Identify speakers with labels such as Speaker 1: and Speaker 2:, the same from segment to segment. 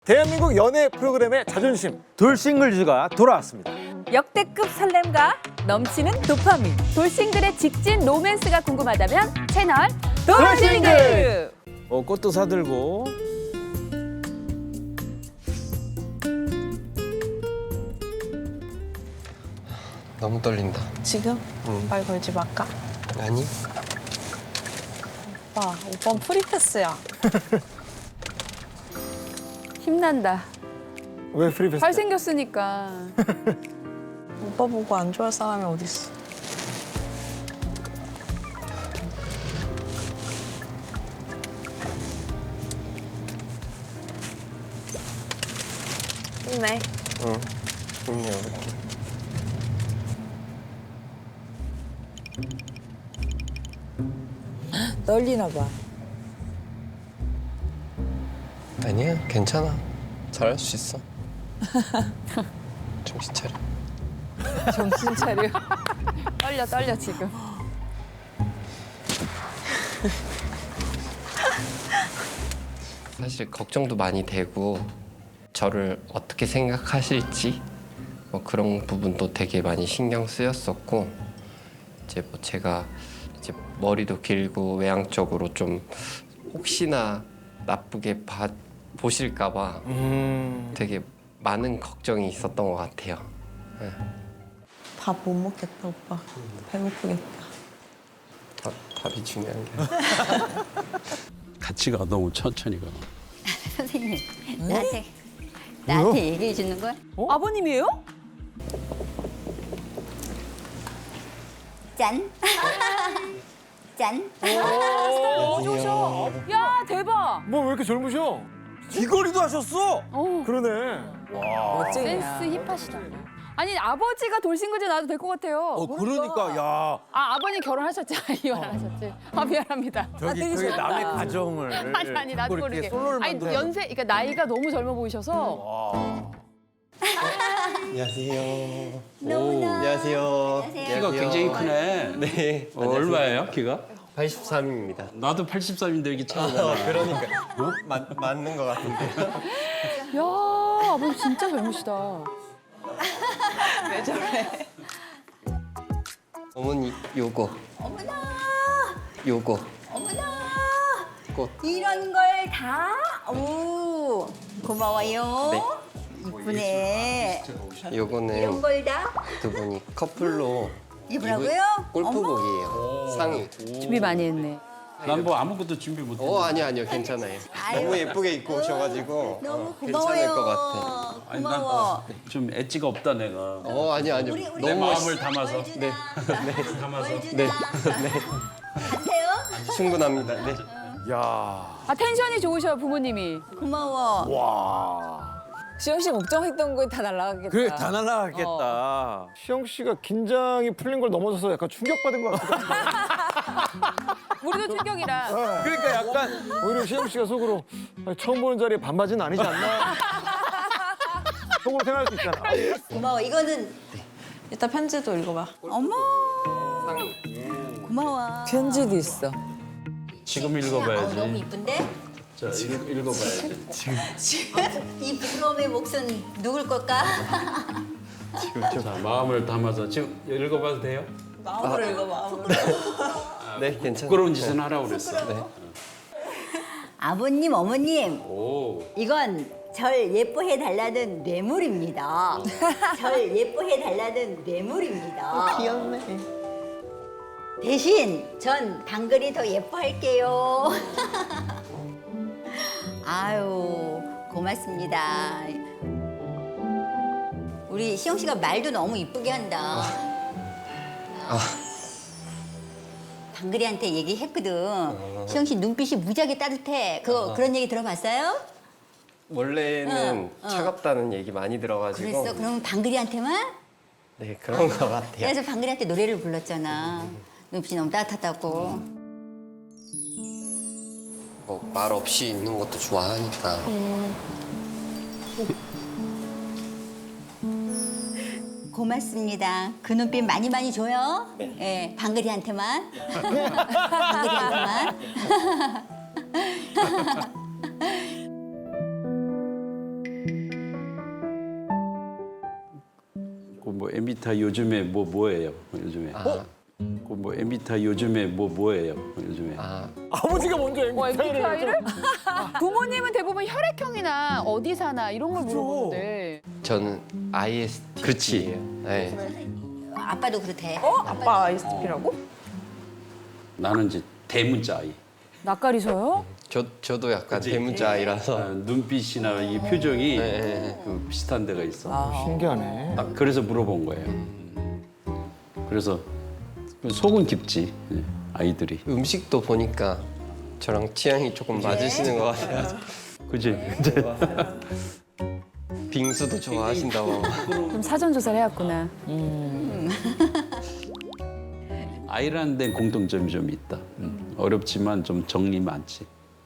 Speaker 1: 대한민국 연애 프로그램의 자존심
Speaker 2: 돌싱글즈가 돌아왔습니다.
Speaker 3: 역대급 설렘과 넘치는 도파민. 돌싱글의 직진 로맨스가 궁금하다면 채널 돌싱글.
Speaker 2: 꽃도 사들고
Speaker 4: 너무 떨린다.
Speaker 5: 지금? 말 걸지 말까?
Speaker 4: 아니?
Speaker 5: 오빠는 프리패스야.
Speaker 3: 힘난다.
Speaker 1: 왜 프리패스?
Speaker 3: 잘생겼으니까.
Speaker 5: 오빠 보고 안 좋아할 사람이 어딨어. 힘내.
Speaker 4: 응. 힘내볼게.
Speaker 5: 떨리나 봐.
Speaker 4: 아니야, 괜찮아. 잘할 수 있어. 정신 차려.
Speaker 3: 정신 차려. 떨려 지금.
Speaker 4: 사실 걱정도 많이 되고 저를 어떻게 생각하실지 뭐 그런 부분도 되게 많이 신경 쓰였었고 이제 뭐 제가 이제 머리도 길고 외향적으로 좀 혹시나 나쁘게 보실까봐 되게 많은 걱정이 있었던 것 같아요. 네.
Speaker 5: 밥 못 먹겠다, 오빠. 배고프겠다.
Speaker 4: 답이 중요한 게.
Speaker 6: 같이 가 너무 천천히 가.
Speaker 7: 선생님, 나한테 얘기해 주는 거야?
Speaker 3: 아버님이에요?
Speaker 7: 짠. 짠.
Speaker 3: 좋으셔. 야 대박.
Speaker 1: 뭐 왜 이렇게 젊으셔?
Speaker 2: 귀걸이도 하셨어.
Speaker 1: 그러네.
Speaker 3: 센스 힙하시다. 아니 아버지가 돌싱글즈 나와도 될 것 같아요.
Speaker 2: 그러니까 야
Speaker 3: 아버님 결혼하셨지? 이혼 안 하셨지? 미안합니다.
Speaker 2: 저기 남의 가정을
Speaker 3: 아니 나도
Speaker 2: 그걸
Speaker 3: 모르게.
Speaker 2: 이렇게 솔로를
Speaker 3: 아니
Speaker 2: 만들어.
Speaker 3: 연세 그러니까 나이가 너무 젊어 보이셔서.
Speaker 4: 안녕하세요.
Speaker 7: 너무나.
Speaker 4: 안녕하세요.
Speaker 6: 키가 굉장히 크네.
Speaker 4: 네.
Speaker 6: 얼마예요, 키가?
Speaker 4: 83입니다.
Speaker 6: 나도 83인데 이렇게 차이가 나.
Speaker 4: 그러니까 맞는 것 같은데.
Speaker 3: 야 아버님 진짜 젊으시다.
Speaker 4: 어머니 요거
Speaker 7: 어머나.
Speaker 4: 요거
Speaker 7: 어머나.
Speaker 4: 꽃.
Speaker 7: 이런 걸 다. 오. 고마워요.
Speaker 4: 네.
Speaker 7: 이쁘네. 이런
Speaker 4: 요거는
Speaker 7: 걸 다.
Speaker 4: 두 분이 커플로
Speaker 7: 입으라고요?
Speaker 4: 골프복이에요. 상의.
Speaker 3: 준비 많이 했네.
Speaker 6: 난 뭐 아무것도 준비 못 했어.
Speaker 4: 아니요 괜찮아요.
Speaker 7: 아유.
Speaker 4: 너무 예쁘게 입고 오셔가지고
Speaker 7: 너무
Speaker 4: 괜찮을
Speaker 7: 고마워요.
Speaker 4: 것 같아.
Speaker 6: 아니,
Speaker 7: 고마워.
Speaker 6: 좀 엣지가 없다 내가.
Speaker 4: 아니요.
Speaker 7: 우리
Speaker 6: 내
Speaker 4: 너무
Speaker 6: 마음을 담아서.
Speaker 7: 뭘 주나?
Speaker 6: 담아서.
Speaker 7: 뭘 주나?
Speaker 4: 네.
Speaker 7: 가세요.
Speaker 4: 충분합니다. 네.
Speaker 2: 야.
Speaker 3: 아 텐션이 좋으셔 부모님이.
Speaker 7: 고마워.
Speaker 2: 와.
Speaker 5: 시영 씨 걱정했던 거 다 날라가겠다.
Speaker 2: 그래 다 날라가겠다.
Speaker 1: 시영 씨가 긴장이 풀린 걸 넘어서서 약간 충격받은 것 같기도 한데.
Speaker 3: 우리도 충격이라.
Speaker 2: 그러니까 약간
Speaker 1: 오히려 시영 씨가 속으로 아니, 처음 보는 자리에 반바지는 아니지 않나? 속으로 생각할 수 있잖아.
Speaker 7: 고마워. 이거는
Speaker 5: 이따 편지도 읽어봐.
Speaker 7: 어머. 고마워.
Speaker 5: 편지도 있어.
Speaker 6: 지금
Speaker 7: 너무
Speaker 6: 읽어봐야지.
Speaker 7: 이쁜데?
Speaker 6: 자, 읽어봐야지.
Speaker 7: 이 부러움의 몫은 누굴 걸까?
Speaker 6: 자, 마음을 담아서 지금 읽어봐도 돼요?
Speaker 5: 마음으로 읽어, 마음으로.
Speaker 4: 네, 괜찮아요.
Speaker 6: 부끄러운 짓은 하라고 그랬어.
Speaker 4: 네.
Speaker 7: 아버님, 어머님,
Speaker 6: 오.
Speaker 7: 이건 절 예뻐해 달라는 뇌물입니다. 절 예뻐해 달라는 뇌물입니다.
Speaker 5: 귀엽네.
Speaker 7: 대신 전 방글이 더 예뻐할게요. 아유, 고맙습니다. 우리 시영 씨가 말도 너무 이쁘게 한다. 방글이한테 얘기했거든. 시영 씨 눈빛이 무지하게 따뜻해. 그런 얘기 들어봤어요?
Speaker 4: 원래는
Speaker 7: 응.
Speaker 4: 차갑다는 얘기 많이 들어가지고.
Speaker 7: 그랬어? 그럼 방글이한테만?
Speaker 4: 네, 그런 것 같아요.
Speaker 7: 그래서 방글이한테 노래를 불렀잖아. 눈빛이 너무 따뜻하다고.
Speaker 4: 뭐 말 없이 있는 것도 좋아하니까.
Speaker 7: 고맙습니다. 그 눈빛 많이 많이 줘요. 예, 방글이한테만. 방글이한테만.
Speaker 6: 에미타 요즘에 뭐예요? 요즘에. 그뭐 에미타 요즘에 뭐예요? 요즘에.
Speaker 1: 아버지가 먼저
Speaker 3: MBTI를? 부모님은 대부분 혈액형이나 어디 사나 이런 걸
Speaker 1: 그렇죠.
Speaker 3: 물어보는데
Speaker 4: 저는 ISTP.
Speaker 6: 그치.
Speaker 4: 네.
Speaker 7: 아빠도 그렇대.
Speaker 5: 아빠 ISTP라고?
Speaker 6: 나는 이제 대문자 아이.
Speaker 3: 낯가리셔요?
Speaker 4: 저도 약간 대문자 아이라서.
Speaker 6: 눈빛이나 이 표정이
Speaker 4: 네.
Speaker 6: 그 비슷한 데가 있어.
Speaker 1: 신기하네.
Speaker 6: 딱 그래서 물어본 거예요. 그래서 속은 깊지 아이들이.
Speaker 4: 음식도 보니까 저랑 취향이 조금 맞으시는 것 같아요.
Speaker 6: 그지?
Speaker 4: 빙수도 좋아하신다고.
Speaker 3: 좀 사전 조사를 해왔구나.
Speaker 6: 아이라는 데는 공통점이 좀 있다. 어렵지만 좀 정리 많지.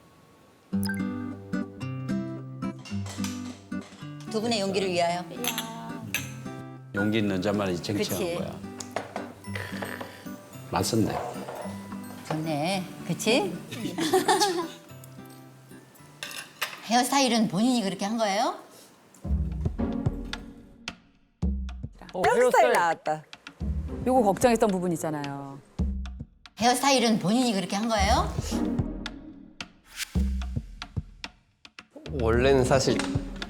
Speaker 7: 두 분의 용기를 위하여.
Speaker 6: 용기 있는 자만이 쟁취한
Speaker 7: 그치.
Speaker 6: 거야. 맞섰네.
Speaker 7: 좋네. 그치? 헤어스타일은 본인이 그렇게 한 거예요?
Speaker 5: 헤어스타일 나왔다.
Speaker 3: 요거 걱정했던 부분 있잖아요.
Speaker 7: 헤어스타일은 본인이 그렇게 한 거예요?
Speaker 4: 원래는 사실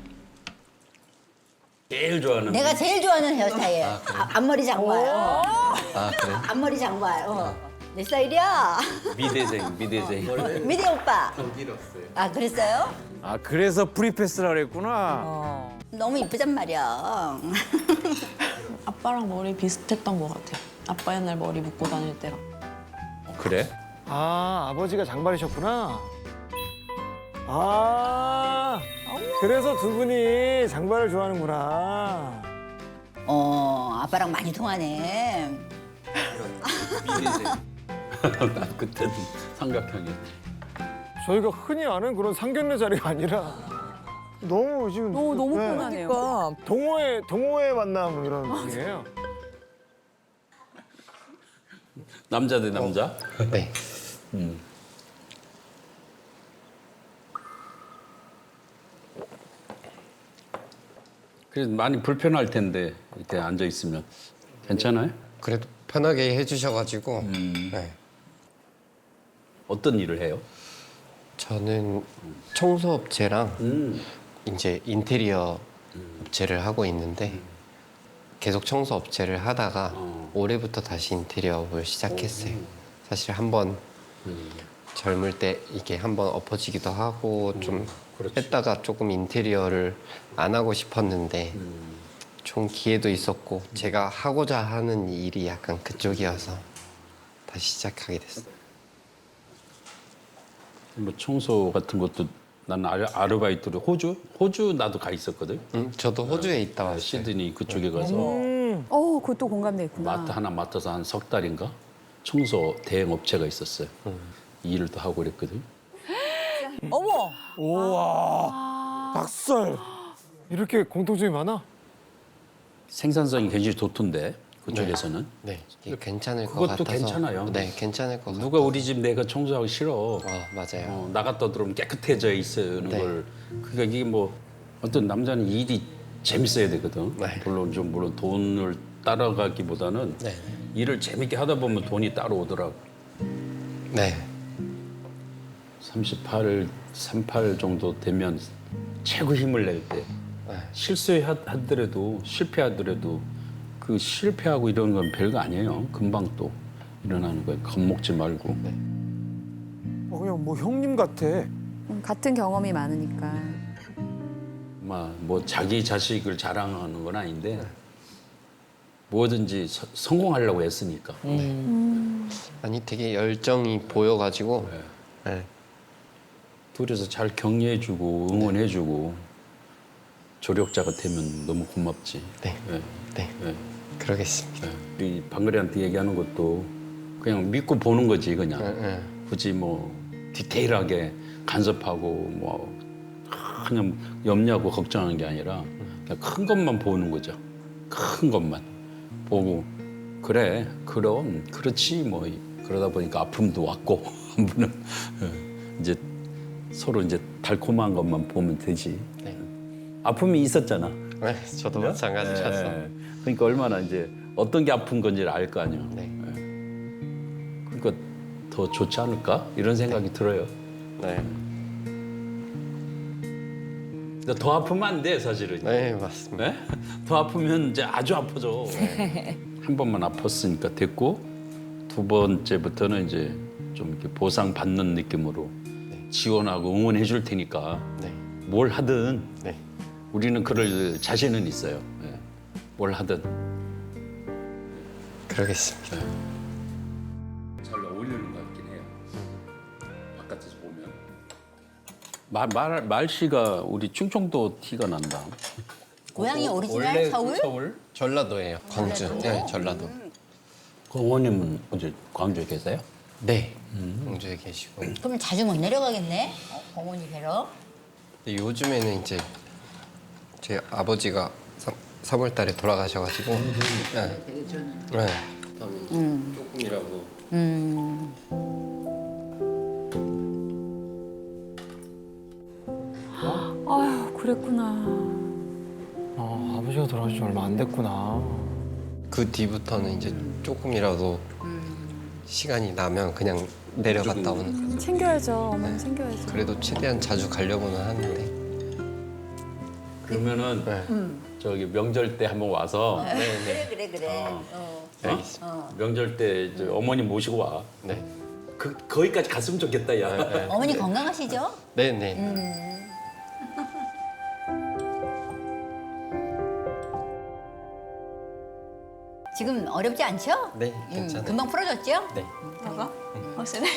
Speaker 6: 제일 좋아하는
Speaker 7: 내가 제일 좋아하는 헤어스타일. 앞머리 장발.
Speaker 4: 그래?
Speaker 7: 앞머리 장발. 내 스타일이야.
Speaker 6: 미대생.
Speaker 7: 미대 오빠. 아 그랬어요?
Speaker 2: 아 그래서 프리패스라 그랬구나.
Speaker 7: 너무 이쁘단 말이야.
Speaker 5: 아빠랑 머리 비슷했던 것 같아요. 아빠 옛날 머리 묶고 다닐 때랑.
Speaker 6: 그래?
Speaker 1: 아, 아버지가 장발이셨구나. 아, 그래서 두 분이 장발을 좋아하는구나.
Speaker 7: 아빠랑 많이 통하네.
Speaker 6: 난 그때는 삼각형이.
Speaker 1: 저희가 흔히 아는 그런 상견례 자리가 아니라 너무 지금
Speaker 3: 너무
Speaker 1: 네.
Speaker 3: 편하네요.
Speaker 1: 동호회 만남 이런 분이에요.
Speaker 6: 남자 대 남자?
Speaker 4: 네.
Speaker 6: 그래서 많이 불편할 텐데 이렇게 앉아 있으면 괜찮아요?
Speaker 4: 그래도 편하게 해주셔가지고. 네.
Speaker 6: 어떤 일을 해요?
Speaker 4: 저는 청소업체랑 이제 인테리어 업체를 하고 있는데 계속 청소업체를 하다가 올해부터 다시 인테리어업을 시작했어요. 사실 한번 젊을 때 이게 한번 엎어지기도 하고 좀
Speaker 6: 그렇지.
Speaker 4: 했다가 조금 인테리어를 안 하고 싶었는데 좀 기회도 있었고 제가 하고자 하는 일이 약간 그쪽이어서 다시 시작하게 됐어요.
Speaker 6: 뭐 청소 같은 것도 난 아르바이트로 호주 나도 가 있었거든.
Speaker 4: 저도 호주에 있다 왔어요.
Speaker 6: 시드니 그쪽에 가서
Speaker 3: 그것도 공감돼 있구나.
Speaker 6: 마트 하나 맡아서 한 석 달인가 청소 대행 업체가 있었어요. 이 일을 또 하고 그랬거든.
Speaker 5: 어머!
Speaker 1: 우와, 박살. 이렇게 공통점이 많아?
Speaker 6: 생산성이 굉장히 좋던데 그쪽에서는.
Speaker 4: 네, 이게 괜찮을 것
Speaker 6: 그것도
Speaker 4: 같아서.
Speaker 6: 괜찮아요.
Speaker 4: 네, 괜찮을 것 같아요.
Speaker 6: 누가 우리 집 내가 청소하기 싫어.
Speaker 4: 맞아요.
Speaker 6: 나갔다 들어오면 깨끗해져 있는
Speaker 4: 네.
Speaker 6: 걸. 그러니까 이게 뭐 어떤 남자는 일이 재밌어야 되거든.
Speaker 4: 네.
Speaker 6: 물론 돈을 따라가기보다는
Speaker 4: 네.
Speaker 6: 일을 재밌게 하다 보면 돈이 따라오더라고.
Speaker 4: 네.
Speaker 6: 38 정도 되면 최고 힘을 낼 때 실수하더라도 실패하더라도 그 실패하고 이런 건 별거 아니에요. 금방 또 일어나는 거예요. 겁먹지 말고.
Speaker 1: 그냥 뭐 형님 같아.
Speaker 3: 같은 경험이 많으니까.
Speaker 6: 뭐 자기 자식을 자랑하는 건 아닌데 뭐든지 성공하려고 애쓰니까.
Speaker 4: 아니 되게 열정이 보여가지고. 네.
Speaker 6: 둘이서 잘 격려해주고 응원해주고 조력자가 되면 너무 고맙지.
Speaker 4: 네.
Speaker 6: 네.
Speaker 4: 네.
Speaker 6: 네.
Speaker 4: 그러겠습니다.
Speaker 6: 우리 방글이한테 얘기하는 것도 그냥 믿고 보는 거지 그냥.
Speaker 4: 네.
Speaker 6: 굳이 뭐 디테일하게 간섭하고 뭐 그냥 염려하고 걱정하는 게 아니라 그냥 큰 것만 보는 거죠. 큰 것만 보고 그래 그럼 그렇지 뭐 그러다 보니까 아픔도 왔고 한 분은 이제 서로 이제 달콤한 것만 보면 되지.
Speaker 4: 네.
Speaker 6: 아픔이 있었잖아.
Speaker 4: 네, 저도 마찬가지였어.
Speaker 6: 예. 그러니까 얼마나 이제 어떤 게 아픈 건지를 알 거 아니에요.
Speaker 4: 네.
Speaker 6: 그러니까 더 좋지 않을까 이런 생각이 들어요.
Speaker 4: 네.
Speaker 6: 근데 더 아프면 안 돼 사실은.
Speaker 4: 네, 맞습니다.
Speaker 6: 네? 더 아프면 이제 아주 아파져. 한 번만 아팠으니까 됐고 두 번째부터는 이제 좀 이렇게 보상 받는 느낌으로 지원하고 응원해 줄 테니까
Speaker 4: 네.
Speaker 6: 뭘 하든
Speaker 4: 네.
Speaker 6: 우리는 그럴 자신은 있어요. 예. 뭘 하든
Speaker 4: 그러겠습니다.
Speaker 6: 잘 어울리는 것 같긴 해요. 바깥에서 보면 말씨가 우리 충청도 티가 난다.
Speaker 7: 고향이 오리지널 서울?
Speaker 4: 전라도예요. 광주. 네, 전라도.
Speaker 6: 그 어머님은 어제 광주에 계세요?
Speaker 4: 네. 광주에 계시고.
Speaker 7: 그럼 자주 못 내려가겠네. 어머니 뵈러.
Speaker 4: 근데 요즘에는 이제 제 아버지가 3월 달에 돌아가셔가지고. 네. 네. 조금이라도.
Speaker 3: 아휴, 그랬구나.
Speaker 1: 아버지가 돌아가신 지 얼마 안 됐구나.
Speaker 4: 그 뒤부터는 이제 조금이라도 시간이 나면 그냥 내려갔다 오는.
Speaker 3: 챙겨야죠. 어머니 챙겨야죠.
Speaker 4: 그래도 최대한 자주 가려고는 하는데.
Speaker 6: 그러면은
Speaker 4: 네.
Speaker 6: 저기 명절 때 한번 와서
Speaker 7: 그래.
Speaker 4: 알겠습니다.
Speaker 6: 명절 때 이제 어머니 모시고 와.
Speaker 4: 네.
Speaker 6: 거기까지 갔으면 좋겠다 야.
Speaker 7: 어머니 건강하시죠?
Speaker 4: 네, 네.
Speaker 7: 지금 어렵지 않죠?
Speaker 4: 네, 괜찮아요.
Speaker 7: 금방 풀어졌죠?
Speaker 4: 네.
Speaker 5: 뭐가? 확실해?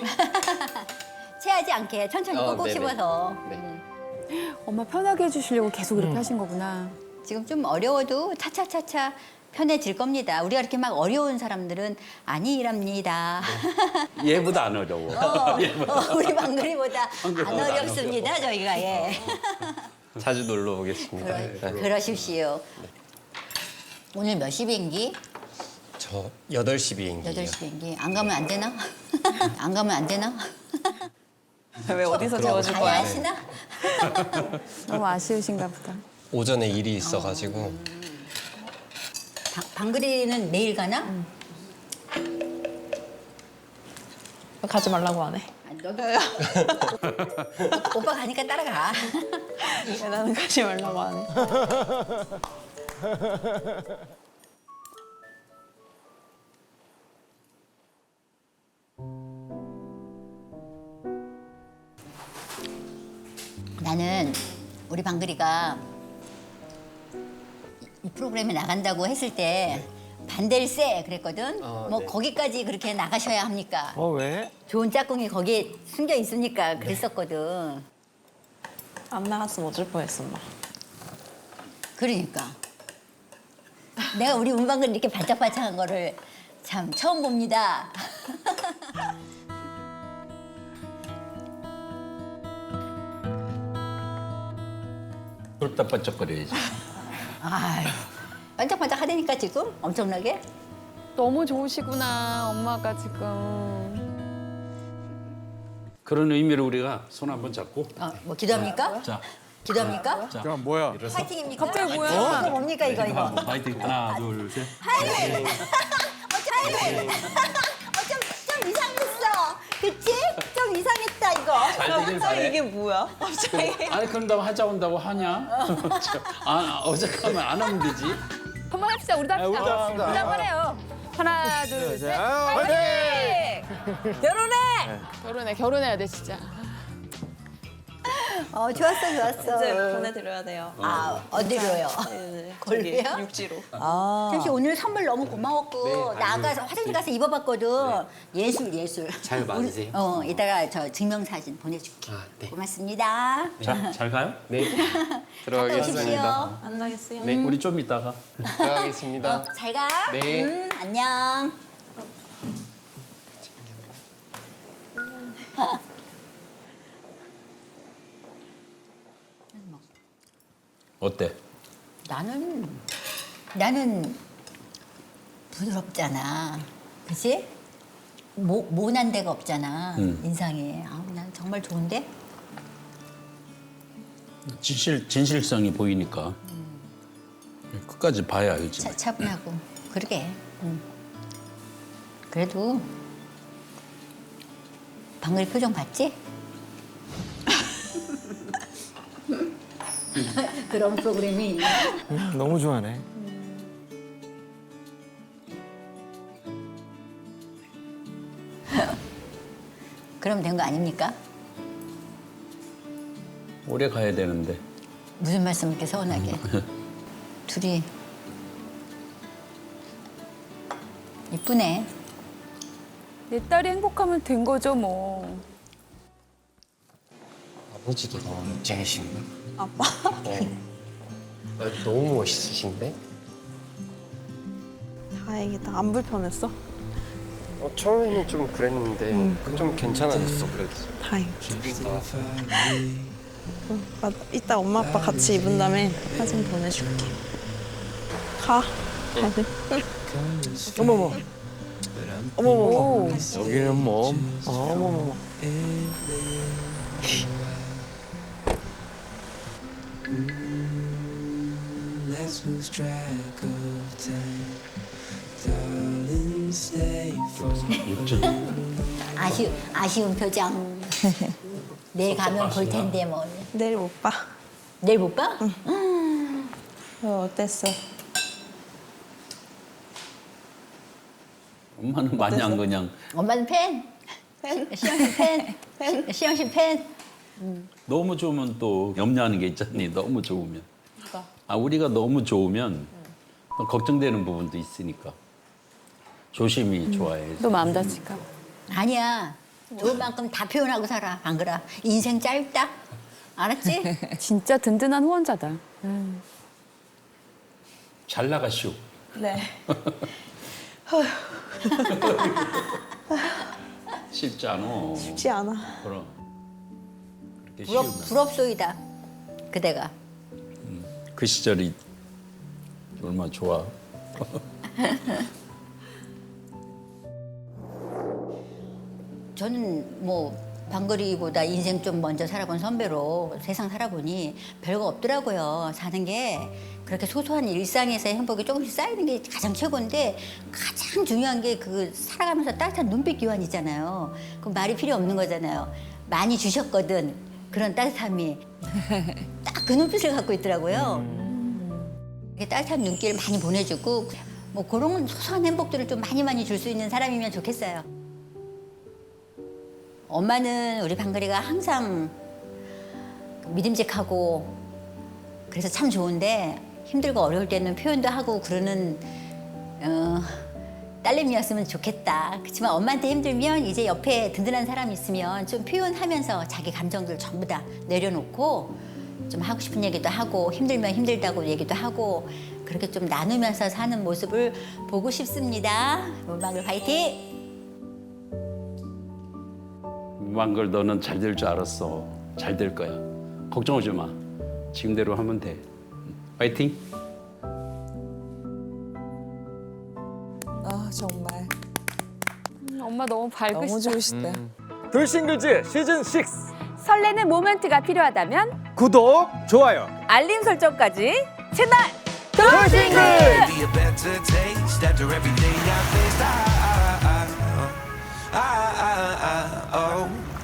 Speaker 7: 체하지 않게 천천히 꾹꾹
Speaker 4: 네네.
Speaker 7: 씹어서.
Speaker 4: 네.
Speaker 3: 엄마 편하게 해주시려고 계속 이렇게 하신 거구나.
Speaker 7: 지금 좀 어려워도 차차차차 편해질 겁니다. 우리가 이렇게 막 어려운 사람들은 아니랍니다.
Speaker 6: 얘보다 안 어려워.
Speaker 7: 우리 방글이보다 안
Speaker 6: 방글이보다 안
Speaker 7: 어렵습니다, 저희가. 예.
Speaker 4: 자주 놀러 오겠습니다. 네.
Speaker 7: 그러십시오. 오늘 몇 시 비행기?
Speaker 4: 저 8시 비행기예요.
Speaker 7: 8시 비행기. 안 가면 안 되나? 안 가면 안 되나?
Speaker 5: 왜 어디서 재워줄
Speaker 7: 가야
Speaker 5: 거야?
Speaker 7: 하시나?
Speaker 3: 너무 아쉬우신가 보다.
Speaker 4: 오전에 일이 있어가지고
Speaker 7: 방글이는 매일 가나?
Speaker 5: 가지 말라고 하네.
Speaker 7: 너도 오빠 가니까 따라가.
Speaker 5: 왜 나는 가지 말라고 하네.
Speaker 7: 나는 우리 방글이가 이 프로그램에 나간다고 했을 때 반댈세 그랬거든. 뭐
Speaker 4: 네.
Speaker 7: 거기까지 그렇게 나가셔야 합니까?
Speaker 1: 왜?
Speaker 7: 좋은 짝꿍이 거기에 숨겨 있으니까 그랬었거든.
Speaker 5: 안 나갔으면 어쩔 뻔했어, 엄마.
Speaker 7: 그러니까 내가 우리 운방글 이렇게 반짝반짝한 거를 참 처음 봅니다.
Speaker 6: 쫄딱반짝거려야지.
Speaker 7: 아유, 반짝반짝 하다니까 지금 엄청나게.
Speaker 3: 너무 좋으시구나, 엄마가 지금.
Speaker 6: 그런 의미로 우리가 손 한번 잡고
Speaker 7: 뭐 기도합니까?
Speaker 6: 자,
Speaker 7: 기도합니까?
Speaker 1: 잠깐 뭐야?
Speaker 7: 파이팅입니까?
Speaker 3: 갑자기 뭐야?
Speaker 7: 이거 뭡니까 이거?
Speaker 6: 파이팅 하나 둘 셋.
Speaker 7: 좀 이상했어. 그치? 좀 이상했다 이거.
Speaker 5: 갑자기 이게 뭐야? 갑자기.
Speaker 6: 아니 그럼 나 하자 온다고 하냐? 어색하면 안 하면 되지.
Speaker 3: 한번 합시다, 우리도 합시다.
Speaker 1: 우리도 합시다.
Speaker 3: 우리도 한번 해요. 하나, 둘, 셋.
Speaker 1: 화이팅!
Speaker 3: 결혼해, 결혼해야 돼, 진짜.
Speaker 7: 좋았어.
Speaker 5: 이제 보내드려야 돼요.
Speaker 7: 아 어디로요?
Speaker 5: 네,
Speaker 7: 걸로요?
Speaker 5: 저기 육지로.
Speaker 7: 잠시 오늘 선물 너무 고마웠고
Speaker 4: 네,
Speaker 7: 나가서 화장실 가서 입어봤거든. 예술.
Speaker 4: 잘 맞으세요?
Speaker 7: 이따가 저 증명사진 보내줄게.
Speaker 4: 아, 네.
Speaker 7: 고맙습니다.
Speaker 6: 자, 잘 가요?
Speaker 4: 네.
Speaker 7: 오십시오.
Speaker 4: 들어가겠습니다.
Speaker 5: 안 나겠어요?
Speaker 4: 네.
Speaker 6: 우리 좀 이따가.
Speaker 4: 들어가겠습니다.
Speaker 7: 잘 가.
Speaker 4: 네.
Speaker 7: 안녕.
Speaker 6: 어때?
Speaker 7: 나는 부드럽잖아. 그치? 모난 데가 없잖아. 인상이. 난 정말 좋은데?
Speaker 6: 진실성이 보이니까. 끝까지 봐야 알지.
Speaker 7: 차분하고 그러게. 그래도 방금 표정 봤지? 그런 프로그램이 있나?
Speaker 1: 너무 좋아하네.
Speaker 7: 그럼 된 거 아닙니까?
Speaker 6: 오래 가야 되는데.
Speaker 7: 무슨 말씀 이렇게 서운하게. 둘이 이쁘네.
Speaker 3: 내 딸이 행복하면 된 거죠 뭐.
Speaker 4: 아버지도 너무 멋쟁이신데?
Speaker 5: 아빠?
Speaker 4: 너무 멋있으신데?
Speaker 5: 다행이다. 안 불편했어?
Speaker 4: 처음에는 좀 그랬는데 좀 괜찮아졌어 그래도.
Speaker 5: 다행이다. 맞아. 이따 엄마 아빠 같이 입은 다음에 사진 보내줄게. 가. 다들.
Speaker 1: 어머머. 어머머.
Speaker 2: 여기는 뭐
Speaker 1: 어머머.
Speaker 8: Let's lose track of time. Darling, stay for
Speaker 7: 아쉬운 표정. 내일 가면 볼 텐데 뭐.
Speaker 5: 내일 못 봐.
Speaker 7: 내일 못 봐?
Speaker 5: 어땠어?
Speaker 6: 엄마는 마냥 그냥
Speaker 7: 엄마는 팬. 시영 씨 팬. 시영 씨 팬.
Speaker 6: 너무 좋으면 또 염려하는 게 있잖니. 너무 좋으면. 우리가 너무 좋으면 또 걱정되는 부분도 있으니까 조심히 좋아해.
Speaker 3: 또 마음 다칠까 봐.
Speaker 7: 아니야. 좋은 만큼 다 표현하고 살아. 안 그래? 인생 짧다. 알았지?
Speaker 3: 진짜 든든한 후원자다.
Speaker 6: 잘 나가시오.
Speaker 5: 네.
Speaker 6: 쉽지 않아.
Speaker 5: 쉽지 않아.
Speaker 6: 그럼 그렇게 쉬우면
Speaker 7: 부럽소이다. 그대가.
Speaker 6: 그 시절이 얼마나 좋아.
Speaker 7: 저는 뭐 방글이보다 인생 좀 먼저 살아본 선배로 세상 살아보니 별거 없더라고요. 사는 게 그렇게 소소한 일상에서의 행복이 조금씩 쌓이는 게 가장 최고인데 가장 중요한 게 그 살아가면서 따뜻한 눈빛 교환이잖아요. 그 말이 필요 없는 거잖아요. 많이 주셨거든. 그런 따뜻함이 딱 그 눈빛을 갖고 있더라고요. 이렇게 따뜻한 눈길을 많이 보내주고 뭐 그런 소소한 행복들을 좀 많이 줄 수 있는 사람이면 좋겠어요. 엄마는 우리 방글이가 항상 믿음직하고 그래서 참 좋은데 힘들고 어려울 때는 표현도 하고 그러는 딸내미였으면 좋겠다. 그렇지만 엄마한테 힘들면 이제 옆에 든든한 사람이 있으면 좀 표현하면서 자기 감정들 전부 다 내려놓고 좀 하고 싶은 얘기도 하고 힘들면 힘들다고 얘기도 하고 그렇게 좀 나누면서 사는 모습을 보고 싶습니다. 문방글 화이팅!
Speaker 6: 문방글 너는 잘 될 줄 알았어. 잘 될 거야. 걱정하지 마. 지금대로 하면 돼. 파이팅.
Speaker 9: 아 정말
Speaker 3: 엄마 너무 밝으시다.
Speaker 9: 너무 좋으시다.
Speaker 1: 돌싱글즈 시즌 6
Speaker 3: 설레는 모멘트가 필요하다면
Speaker 2: 구독, 좋아요.
Speaker 3: 알림 설정까지 채널
Speaker 1: 돌싱글!
Speaker 8: be a better taste after everything I faced. Oh.